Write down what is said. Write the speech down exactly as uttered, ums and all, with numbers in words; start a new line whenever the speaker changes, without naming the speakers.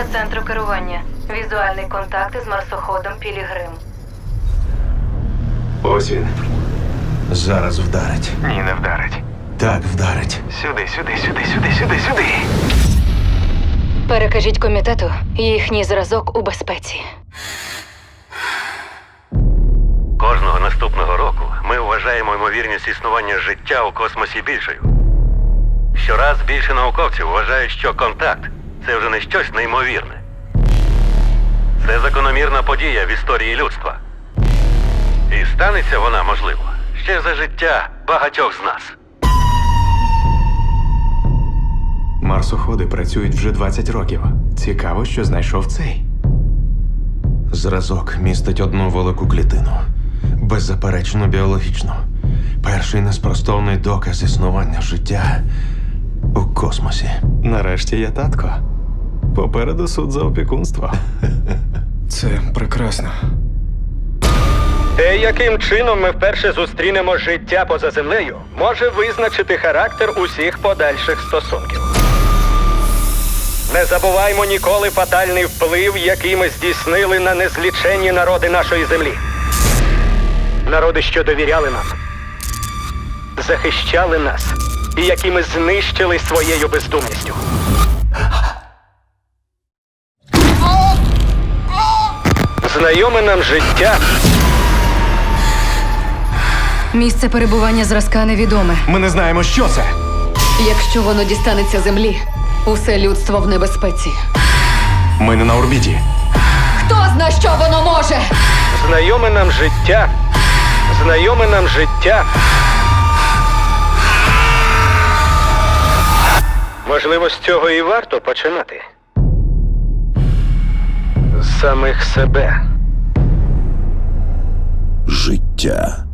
Підтвердження центру керування. Візуальний контакт із марсоходом Пілігрим.
Ось він. Зараз вдарить.
Ні, не вдарить.
Так, вдарить.
Сюди, сюди, сюди, сюди, сюди, сюди.
Перекажіть комітету, їхній зразок у безпеці.
Кожного наступного року ми вважаємо ймовірність існування життя у космосі більшою. Щораз більше науковців вважають, що контакт – це вже не щось неймовірне. Це закономірна подія в історії людства. І станеться вона, можливо, ще за життя багатьох з нас.
Марсоходи працюють вже двадцять років. Цікаво, що знайшов цей.
Зразок містить одну велику клітину. Беззаперечно біологічну. Перший неспростовний доказ існування життя у космосі.
Нарешті я татко. Попереду суд за опікунство. Це прекрасно.
Те, яким чином ми вперше зустрінемо життя поза землею, може визначити характер усіх подальших стосунків. Не забуваймо ніколи фатальний вплив, який ми здійснили на незліченні народи нашої землі. Народи, що довіряли нам, захищали нас, і які ми знищили своєю бездумністю. Знайоме нам життя.
Місце перебування зразка невідоме.
Ми не знаємо, що це.
Якщо воно дістанеться землі, усе людство в небезпеці.
Ми не на орбіті.
Хто зна, що воно може?
Знайоме нам життя. Знайоме нам життя. Можливо, з цього і варто починати. З самих себе.
Життя.